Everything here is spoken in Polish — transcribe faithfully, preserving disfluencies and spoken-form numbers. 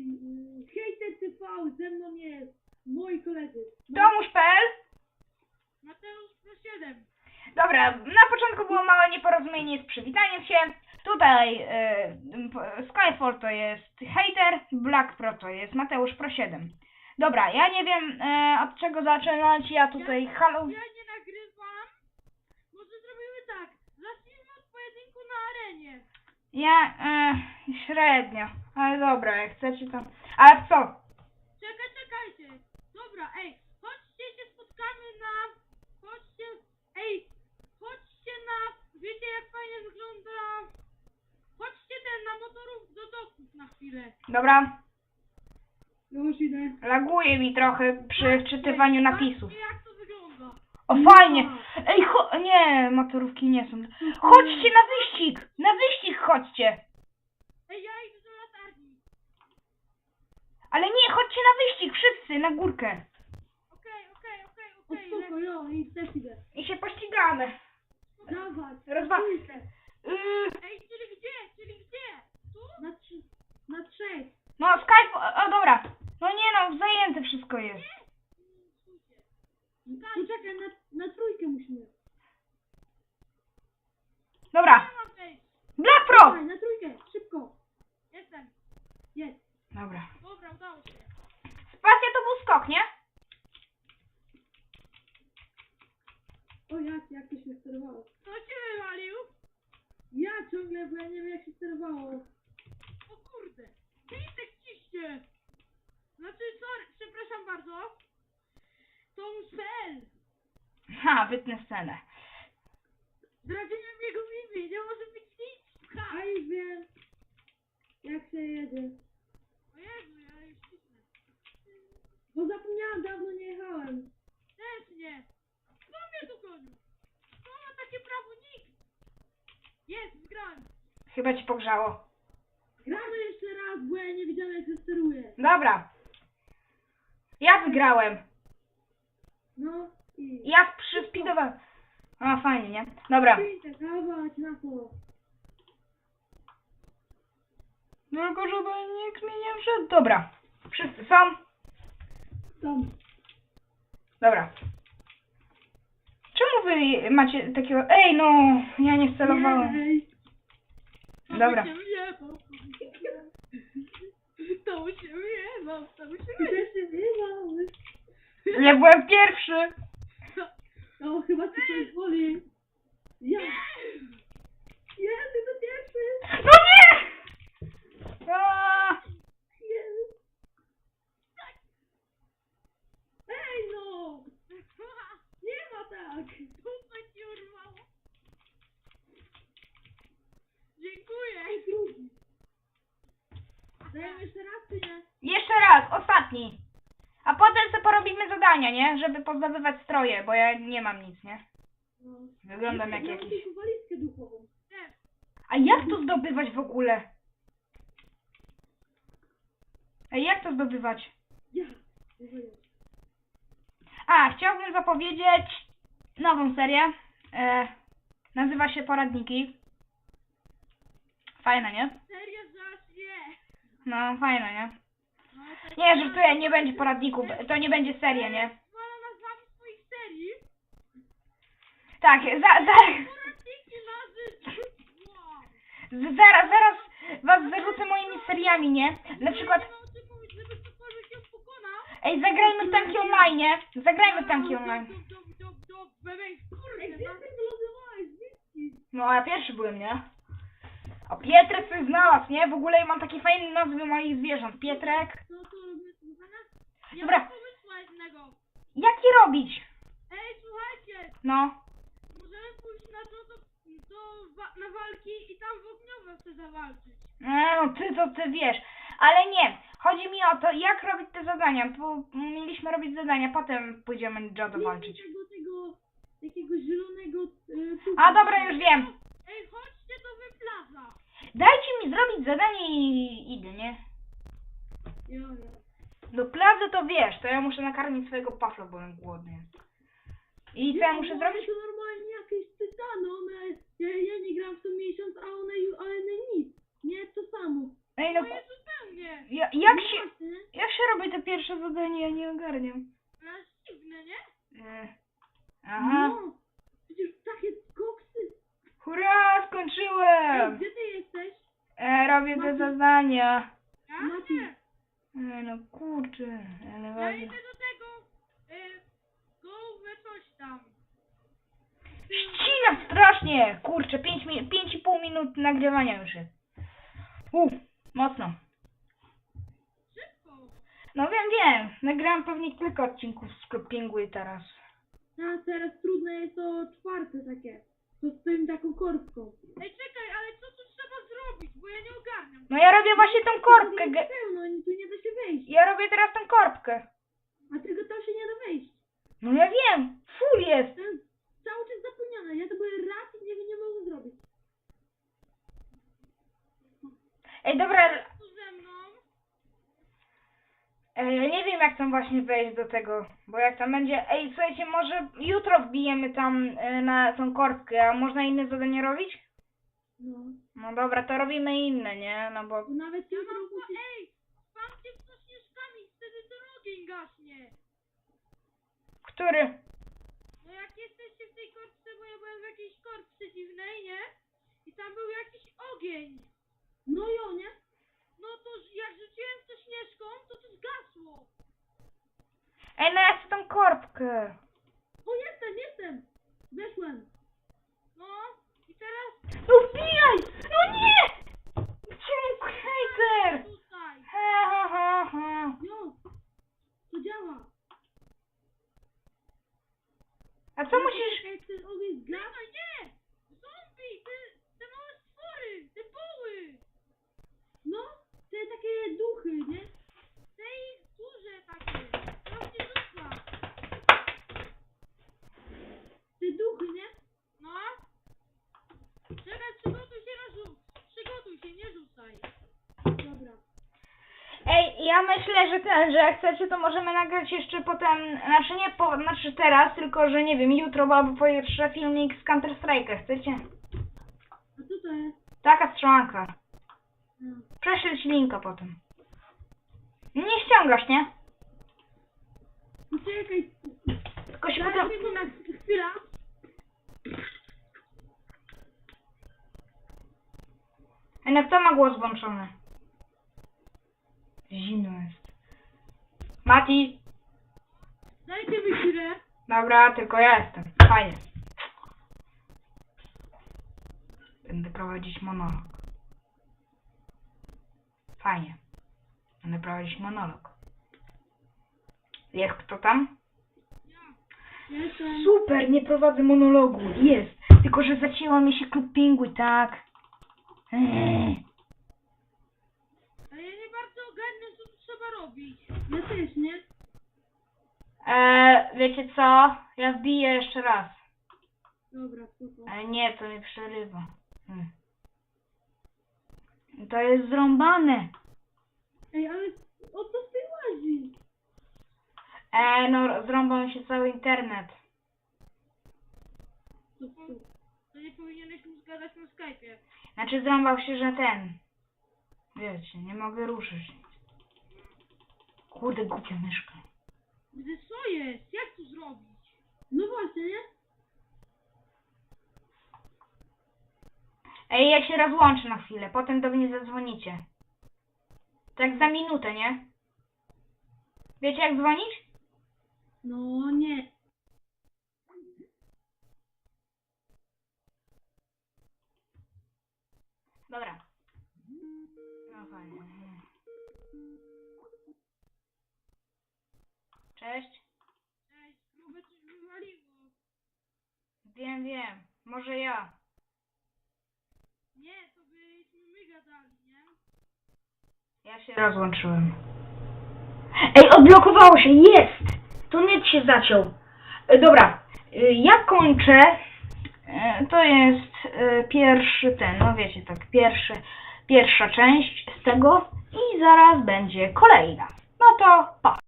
Hejter T V, ze mną jest moi koledzy. Tomusz.pl. Mateusz siedem. Dobra, na początku było małe nieporozumienie z przywitaniem się. Tutaj y, Skyfall to jest Hater, Black Pro to jest Mateusz Pro siedem. Dobra, ja nie wiem y, od czego zaczynać, ja tutaj Ja, halo... ja nie nagrywam. Może zrobimy tak. Zacznijmy od pojedynku na arenie. Ja y, średnio, ale dobra, jak chcecie to... Ale co? Czekaj, czekajcie. Dobra, ej, chodźcie się spotkamy na... Chodźcie, ej, chodźcie na... Wiecie jak fajnie wygląda... Chodźcie ten na motorów do doków na chwilę. Dobra, Już idę. laguje mi trochę przy wczytywaniu napisów. Patrzcie jak to wygląda. O, fajnie! Ej, cho... Nie, motorówki nie są. Chodźcie na wyścig! Na wyścig chodźcie! Ej, ja idę do latarni. Ale nie, chodźcie na wyścig, wszyscy, na górkę. Okej, okej, okej, okej. O spoko, jo, i też idę. I się pościgamy. Dawaj, Rozwa... Yy... Ej, czyli gdzie? Czyli gdzie? Tu? Na trzy... Na trzech. No, Skype... O, dobra. No nie no, zajęte wszystko jest. Poczekaj, na, na trójkę musimy. Dobra. Nie mam wejść. Black Pro! Dawaj, na trójkę, szybko. Jestem. Jest. Dobra. Dobra, udało się. Spacja to był skok, nie? O jak, jak to się sterowało? Kto się wywalił? Ja ciągle, bo ja nie wiem jak się sterowało. O kurde. Pisek ciśnie. Znaczy, sorry, przepraszam bardzo. Tomusz.pl. Ha, wytnę scenę. Zdradziłem jego imię, nie może być nic. Ha. A już wiem. Jak się jedzie. O Jezu, ja już cisnę. Bo zapomniałam, dawno nie jechałem. Też nie. Kto mnie tu gonił? Kto ma takie prawo? Nikt. Jest, zgrałem. Chyba ci pogrzało. Gramy jeszcze raz, bo ja nie widziałem jak się steruje. Dobra. Ja wygrałem. No i... Ja przyspidowałem. A, fajnie, nie? Dobra. Idę dawać na to. Tylko żeby nikt mi nie wszedł. Dobra. Wszyscy są? Tam. Dobra. Czemu wy macie takiego... Ej, no! Ja nie celowałem. Jej. Dobra. To się wjebał. To się wjebał. To się wjebał. Ja byłem pierwszy. No chyba ci coś woli. Ja. Ja, ty to pierwszy. No nie! A, Jest. Tak. Ej no. Nie ma tak. Dupę ci urwało. Dziękuję. Ej, drugi. Dajemy jeszcze raz, czy nie? jeszcze raz, ostatni. A potem sobie porobimy zadania, nie? Żeby pozdobywać stroje, bo ja nie mam nic, nie? No. Wyglądam jak Ja mam jakiś... tylko walizkę duchową. Nie. A jak to zdobywać w ogóle? Ej, jak to zdobywać? Ja. Nie wiem. A, chciałbym zapowiedzieć nową serię. E, nazywa się Poradniki. Fajne, nie? Serio, zaś nie. No, fajne, nie? No, tak Nie, żartuję, nie będzie poradników, to nie będzie seria, nie? Zwala nazwami swoich serii. Tak, za, za, Poradniki na życie. Wow. z- zaraz, zaraz was zarzucę moimi seriami, nie? Na przykład, Nie mam o czym mówić, żeby ktokolwiek ją pokonał. ej, zagrajmy w tanki online, nie? Zagrajmy w tanki online. Dob, dob, dob, dob, bebej, kurde. Ej, gdzie ty wylądowałeś? Whisky. No, ja pierwszy byłem, nie? O, Pietrek coś znalazł, nie? W ogóle mam takie fajne nazwy moich zwierząt. Pietrek. Co to robimy słuchania? Ja Dobra. mam pomysła jednego. Jak je robić? Ej, słuchajcie. No. Możemy pójść na to, to, to wa na walki i tam w ogniowe chcę zawalczyć. E, no ty to ty wiesz. Ale nie. Chodzi mi o to, jak robić te zadania. Bo mieliśmy robić zadania, potem pójdziemy Jodo walczyć. Tego, tego, takiego zielonego e, tucha. A dobra, już wiem. Ej, chodźcie do wyplaza. Dajcie mi zrobić zadanie i idę, nie? Jo, jo. Do plazy to wiesz, to ja muszę nakarmić swojego pafla, bo on głodny. I co ja muszę one zrobić? to normalnie jakieś tytany, one, ja, ja nie gram w to miesiąc, a one, ju- a one nic. Nie, to samo. Ej, no, Moje zupełnie. Ja, jak No się... właśnie, nie? Jak się robi to pierwsze zadanie? Ja nie ogarniam. To jest dziwne, nie? E, Aha. No, przecież takie koksy. Hurra, Ej, skończyłem! gdzie ty jesteś? E, robię te Mati. zadania. Ja? Mati. E, no kurczę, ale Ja ważne. idę do tego, y, gołwe coś tam. Ścina strasznie! Kurczę, pięć mi pięć i pół minut nagrywania już jest. Uff, mocno. Szybko. No wiem, wiem. Nagrałem pewnie kilka odcinków z Club Penguin teraz. A teraz trudne jest to czwarte takie. To z tym taką korbką. Ej, czekaj, ale co tu trzeba zrobić? Bo ja nie ogarniam. No ja robię właśnie tą korbkę. Tu ge- jest pełno, tu nie da się wejść. Ja robię teraz tą korbkę. A tylko tam się nie da wejść. No ja wiem. Full jest. To jest cały czas zapełnione. Ja to byłem raz i nie, nie mogę zrobić. Ej, dobra. Tu ze mną. Ej, ja nie wiem jak tam właśnie wejść do tego. Bo jak tam będzie... Ej, słuchajcie, może jutro wbijemy tam e, na tą korbkę. A można inne zadanie robić? No. No dobra, to robimy inne, nie? No bo... To nawet ja mam po... Ej, spamcie w to śnieżkami, wtedy ten ogień gaśnie. Który? No jak jesteście w tej korbce, bo ja byłem w jakiejś korbce dziwnej, nie? I tam był jakiś ogień. No jo, nie? No to jak rzuciłem w to śnieżką, to to zgasło. Ej, no ja chcę tą korbkę. O, jestem, jestem. Weszłem. No, i teraz... No wbijaj! No nie! Czemu hejter? Tutaj. Ha, ha, ha, ha. Jo, to działa. A co musisz... Jak ten ogień zgasł? No nie! Zombie! Te, te małe stwory! Te buły! No, te takie duchy, nie? Te ich duże takie. To się rzuca. Te duchy, nie? No. Czekaj, przygotuj się na rzut. Przygotuj się, nie rzucaj. Dobra. Ej, ja myślę, że ten, że jak chcecie, to możemy nagrać jeszcze potem, znaczy nie po, znaczy teraz, tylko że nie wiem, jutro albo pojutrze filmik z Counter Strike'a, chcecie? A co to jest? Taka strzelanka. No. Prześlę ci linka potem. Nie ściągasz, nie? No czekaj. Tylko się Daj potem... mi to na chwilę. Ej, no kto ma głos włączony? Zimno jest. Mati! Dajcie mi chwilę. Dobra, tylko ja jestem. Fajnie. Będę prowadzić monolog. Fajnie. Będę prowadzić monolog. Jest kto tam? Jestem. Super, nie prowadzę monologu. Jest. Tylko, że zacięła mi się Club Penguin, tak? Eee. Ale ja nie bardzo ogarniam, co tu trzeba robić. Ja też, nie? Eee, wiecie co? Ja wbiję jeszcze raz. Dobra, spoko. Ale nie, to mnie przerywa. Hmm. To jest zrąbane. Ej, ale o co ty łazi? Eee, no zrąbał mi się cały internet. To, to, to nie powinieneś mu zgadać na Skype'ie. Znaczy zrąbał się, że ten... Wiecie, nie mogę ruszyć. Kurde, głupia myszka. Gdy co jest? Jak to zrobić? No właśnie, nie? Ej, ja się rozłączę na chwilę, potem do mnie zadzwonicie. Tak za minutę, nie? Wiecie jak dzwonić? No nie. Dobra. No fajnie. Cześć. Ej, próbę coś wywaliło. Wiem, wiem. Może ja. Nie, to byśmy my gadali, nie? Ja się rozłączyłem. Ej, odblokowało się! Jest! To net się zaciął. E, dobra. E, ja kończę. E, to jest e, pierwszy ten, no wiecie tak, pierwszy, pierwsza część z tego i zaraz będzie kolejna. No to pa!